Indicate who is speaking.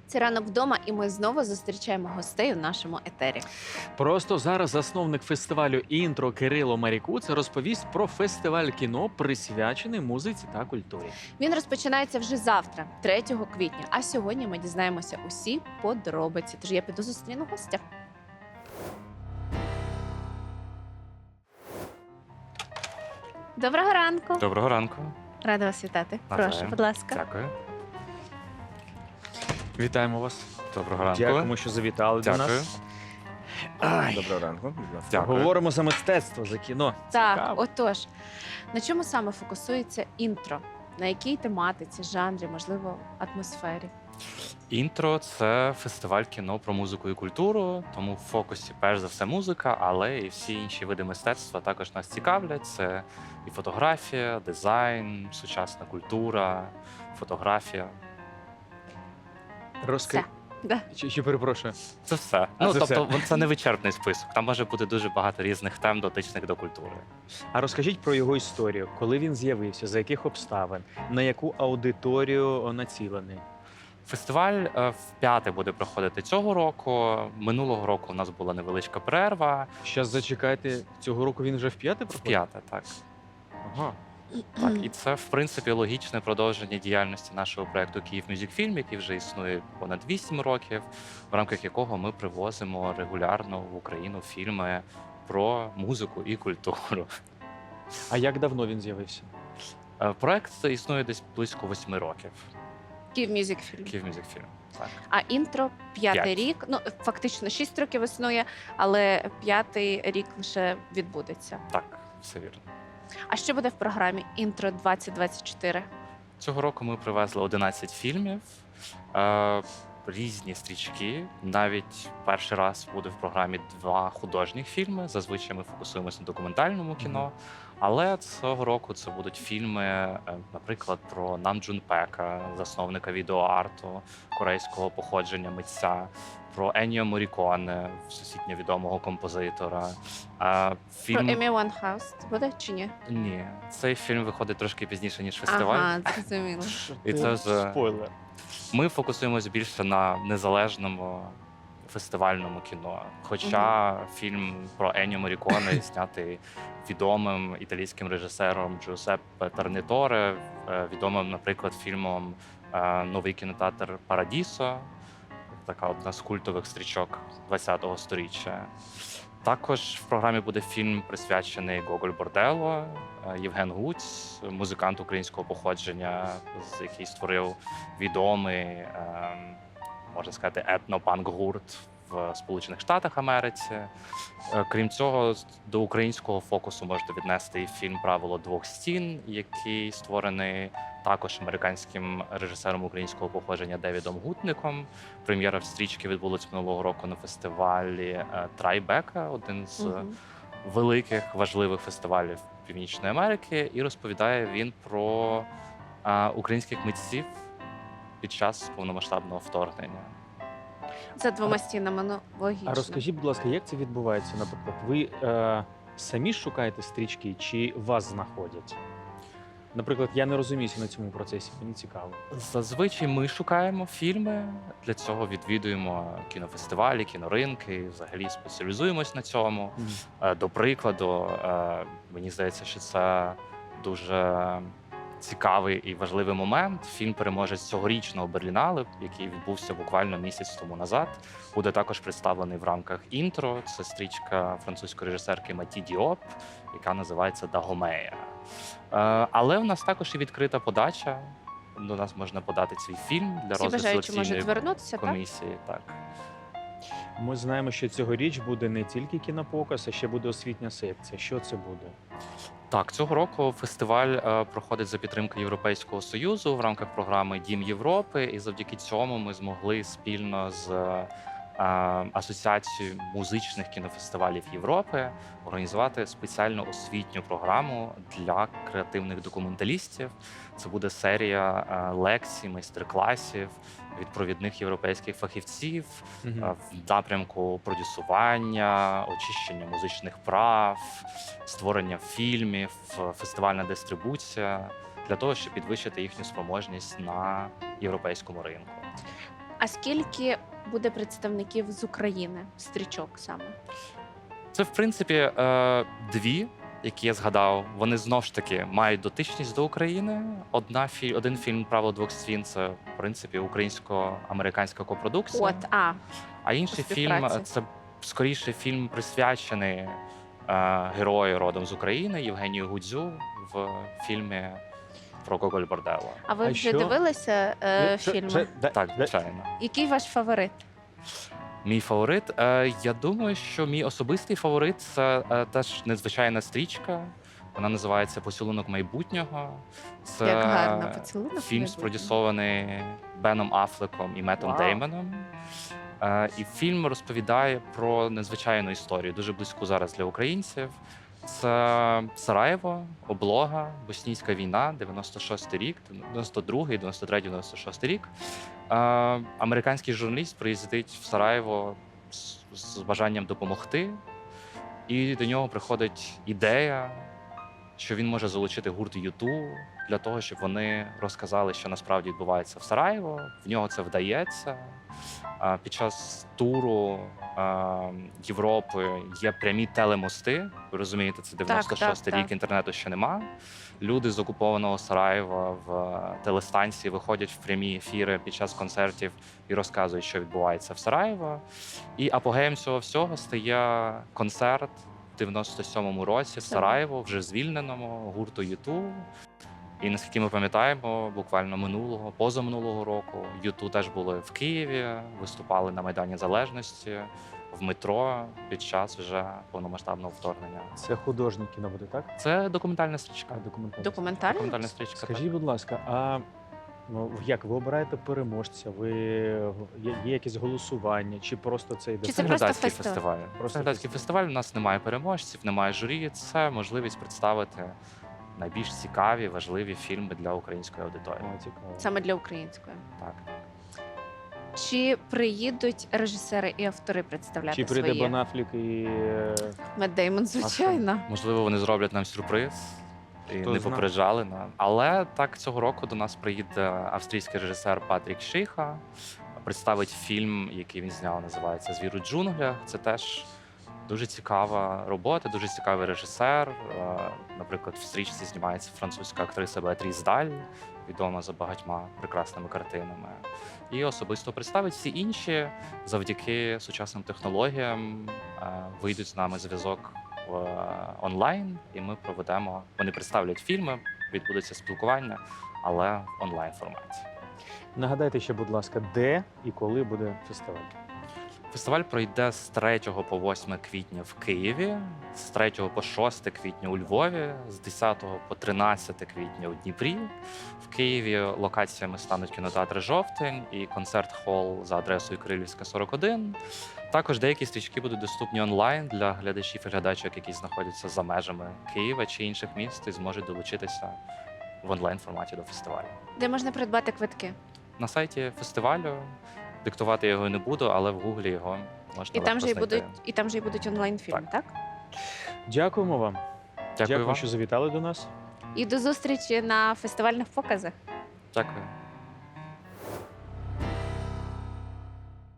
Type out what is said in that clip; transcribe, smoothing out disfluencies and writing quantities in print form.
Speaker 1: Це ранок вдома, і ми знову зустрічаємо гостей у нашому етері.
Speaker 2: Просто зараз засновник фестивалю «Інтро» Кирило Марікуц розповість про фестиваль кіно, присвячений музиці та культурі.
Speaker 1: Він розпочинається вже завтра, 3 квітня. А сьогодні ми дізнаємося усі подробиці. Тож я піду зустріну гостя. Доброго ранку.
Speaker 3: Доброго ранку.
Speaker 1: Рада вас вітати.
Speaker 3: Навзаєм.
Speaker 1: Прошу, будь ласка.
Speaker 3: Дякую.
Speaker 2: Вітаємо вас.
Speaker 3: Доброго ранку.
Speaker 2: Дякуємо, що завітали до
Speaker 3: Дякую.
Speaker 2: нас. Ай,
Speaker 4: Доброго ранку. Будь ласка.
Speaker 3: Дякую.
Speaker 2: говоримо за мистецтво, за кіно.
Speaker 1: Так,
Speaker 2: Цікаво.
Speaker 1: отож, на чому саме фокусується інтро? На якій тематиці, жанрі, можливо, атмосфері?
Speaker 3: Інтро це фестиваль кіно про музику і культуру, тому в фокусі перш за все музика, але і всі інші види мистецтва також нас цікавлять. Це і фотографія, дизайн, сучасна культура, фотографія.
Speaker 2: Розкажи.
Speaker 1: Да.
Speaker 2: Чи перепрошую?
Speaker 3: Це все.
Speaker 2: це
Speaker 3: Тобто
Speaker 2: все.
Speaker 3: це не вичерпний список. Там може бути дуже багато різних тем, дотичних до культури.
Speaker 2: А розкажіть про його історію. Коли він з'явився, за яких обставин, на яку аудиторію націлений?
Speaker 3: Фестиваль вп'яте буде проходити цього року. Минулого року у нас була невеличка перерва.
Speaker 2: Щас зачекайте, цього року він вже вп'яте проходить?
Speaker 3: Вп'яте, так.
Speaker 2: Ага.
Speaker 3: Так, і це в принципі логічне продовження діяльності нашого проекту Київ Мюзикфільм, який вже існує понад 8 років, в рамках якого ми привозимо регулярно в Україну фільми про музику і культуру.
Speaker 2: А як давно він з'явився?
Speaker 3: Проект існує десь близько 8 років.
Speaker 1: Київ Мюзик Фільм.
Speaker 3: Київ Мюзикфільм. Так.
Speaker 1: А інтро 5-й
Speaker 3: П'ять.
Speaker 1: рік. Ну, фактично 6 років існує, але 5-й рік лише відбудеться.
Speaker 3: Так, все вірно.
Speaker 1: А що буде в програмі інтро 2024?
Speaker 3: Цього року ми привезли 11 фільмів, різні стрічки. Навіть перший раз буде в програмі 2 художніх фільми. Зазвичай ми фокусуємося на документальному кіно. Але цього року це будуть фільми, наприклад, про Нам Джун Пека, засновника відеоарту корейського походження митця, про Енніо Морріконе, всесвітньо відомого композитора.
Speaker 1: Про Емі Вайнхаус буде чи ні?
Speaker 3: Ні, цей фільм виходить трошки пізніше, ніж фестиваль.
Speaker 1: Ага, зрозуміло.
Speaker 3: І це вже-
Speaker 2: спойлер.
Speaker 3: Ми фокусуємося більше на незалежному фестивальному кіно. Хоча фільм про Енніо Морріконе знятий відомим італійським режисером Джузеппе Тернаторе, відомим, наприклад, фільмом Новий кінотеатр Парадісо, така одна з культових стрічок ХХ століття. Також в програмі буде фільм, присвячений Гоголь Борделло, Євген Гуць, музикант українського походження, який створив відомий, можна сказати, етнопанк-гурт в Сполучених Штатах Америці. Крім цього, до українського фокусу можна віднести і фільм Правило двох стін, який створений також американським режисером українського походження Девідом Гутником. Прем'єра стрічки відбулась минулого року на фестивалі Трайбека, один з великих важливих фестивалів Північної Америки, і розповідає він про українських митців під час повномасштабного вторгнення.
Speaker 1: За 2 стінами, ну, логічно.
Speaker 2: А розкажіть, будь ласка, як це відбувається? Наприклад, ви самі шукаєте стрічки чи вас знаходять? Наприклад, я не розуміюся на цьому процесі, мені цікаво.
Speaker 3: Зазвичай ми шукаємо фільми, для цього відвідуємо кінофестивалі, кіноринки, і взагалі спеціалізуємось на цьому. До прикладу, мені здається, що це дуже цікавий і важливий момент. Фільм переможець цьогорічного Берлінале, який відбувся буквально місяць тому назад, буде також представлений в рамках інтро. Це стрічка французької режисерки Маті Діоп, яка називається Дагомея. Але в нас також і відкрита подача. До нас можна подати свій фільм для
Speaker 1: Всі
Speaker 3: розгляду
Speaker 1: бажаючі можуть
Speaker 3: селекційної
Speaker 1: звернутися, так?
Speaker 3: комісії. Так.
Speaker 2: Ми знаємо, що цьогоріч буде не тільки кінопоказ, а ще буде освітня секція. Що це буде?
Speaker 3: Так, цього року фестиваль проходить за підтримки Європейського Союзу в рамках програми Дім Європи, і завдяки цьому ми змогли спільно з Асоціацією музичних кінофестивалів Європи організувати спеціальну освітню програму для креативних документалістів. Це буде серія лекцій, майстер-класів від провідних європейських фахівців в напрямку продюсування, очищення музичних прав, створення фільмів, фестивальна дистрибуція для того, щоб підвищити їхню спроможність на європейському ринку.
Speaker 1: А скільки буде представників з України, стрічок саме?
Speaker 3: Це, в принципі, дві, які я згадав. Вони знов ж таки мають дотичність до України. Один фільм «Правило двох сцін» – це, в принципі, українсько-американська копродукція. А інший
Speaker 1: по
Speaker 3: фільм
Speaker 1: співпраці.
Speaker 3: це скоріше фільм присвячений герою родом з України Євгенію Гудзю в фільмі про Гоголь Борделло.
Speaker 1: А ви
Speaker 2: А
Speaker 1: вже
Speaker 2: що?
Speaker 1: дивилися фільми?
Speaker 3: Так, звичайно.
Speaker 1: Який ваш фаворит?
Speaker 3: Мій фаворит. Я думаю, що мій особистий фаворит це теж незвичайна стрічка. Вона називається «Поцілунок майбутнього». Це
Speaker 1: Як гарно, «Поцілунок
Speaker 3: фільм,
Speaker 1: майбутнього».
Speaker 3: спродюсований Беном Аффлеком і Меттом
Speaker 1: Вау.
Speaker 3: Деймоном. І фільм розповідає про незвичайну історію, дуже близьку зараз для українців. Це Сараєво, облога, боснійська війна, 96-й рік, 92-й, 93-й, 96-й рік. Американський журналіст приїздить в Сараєво з бажанням допомогти, і до нього приходить ідея, що він може залучити гурт U2 для того, щоб вони розказали, що насправді відбувається в Сараєво. В нього це вдається. Під час туру Європи є прямі телемости. Ви розумієте, це 96-й рік,
Speaker 1: так.
Speaker 3: інтернету ще нема. Люди з окупованого Сараєва в телестанції виходять в прямі ефіри під час концертів і розказують, що відбувається в Сараєво. І апогеєм цього всього стає концерт в 97-му році в Сараєво, вже звільненому, гурту U2. І наскільки ми пам'ятаємо, буквально позаминулого року U2 теж були в Києві, виступали на Майдані Залежності, в метро під час вже повномасштабного вторгнення.
Speaker 2: Це художнє кіно буде, так?
Speaker 3: Це документальна стрічка.
Speaker 1: Документальний?
Speaker 3: Документальна стрічка.
Speaker 2: Скажіть, будь ласка, а як ви обираєте переможця? Є якесь голосування, чи просто це йде?
Speaker 1: Чи
Speaker 3: Це
Speaker 1: це просто
Speaker 3: глядацький
Speaker 1: фестиваль?
Speaker 3: фестиваль.
Speaker 2: Просто
Speaker 3: Це глядацький
Speaker 2: фестиваль.
Speaker 3: фестиваль. У нас немає переможців, немає журі. Це можливість представити найбільш цікаві, важливі фільми для української аудиторії.
Speaker 2: О, цікаво.
Speaker 1: Саме для української.
Speaker 3: Так.
Speaker 1: Чи приїдуть режисери і автори представляти
Speaker 2: Чи прийде
Speaker 1: свої?
Speaker 2: Бен Аффлек і
Speaker 1: Мет Деймон, звичайно.
Speaker 3: Можливо, вони зроблять нам сюрприз і
Speaker 2: Хто
Speaker 3: не
Speaker 2: зна.
Speaker 3: попереджали нам. Але так цього року до нас приїде австрійський режисер Патрік Шиха, представить фільм, який він зняв, називається «Звір у джунглях». Це теж дуже цікава робота, дуже цікавий режисер. Наприклад, в стрічці знімається французька актриса Беатріс Даль, відома за багатьма прекрасними картинами. І особисто представить всі інші завдяки сучасним технологіям вийдуть з нами зв'язок онлайн, і ми проведемо. Вони представлять фільми, відбудеться спілкування, але в онлайн форматі.
Speaker 2: нагадайте ще, будь ласка, де і коли буде фестиваль?
Speaker 3: Фестиваль пройде з 3 по 8 квітня в Києві, з 3 по 6 квітня у Львові, з 10 по 13 квітня у Дніпрі. В Києві локаціями стануть кінотеатри «Жовтень» і концерт-хол за адресою Кирилівська, 41. Також деякі стрічки будуть доступні онлайн для глядачів і глядачок, які знаходяться за межами Києва чи інших міст, і зможуть долучитися в онлайн-форматі до фестивалю.
Speaker 1: Де можна придбати квитки?
Speaker 3: На сайті фестивалю диктувати я його не буду, але в Гуглі його можна
Speaker 1: І там
Speaker 3: легко
Speaker 1: же
Speaker 3: знайти.
Speaker 1: і там же і будуть онлайн-фільми, так?
Speaker 2: Дякуємо вам.
Speaker 3: Дякую вам.
Speaker 2: що завітали до нас.
Speaker 1: І до зустрічі на фестивальних показах.
Speaker 3: Дякую.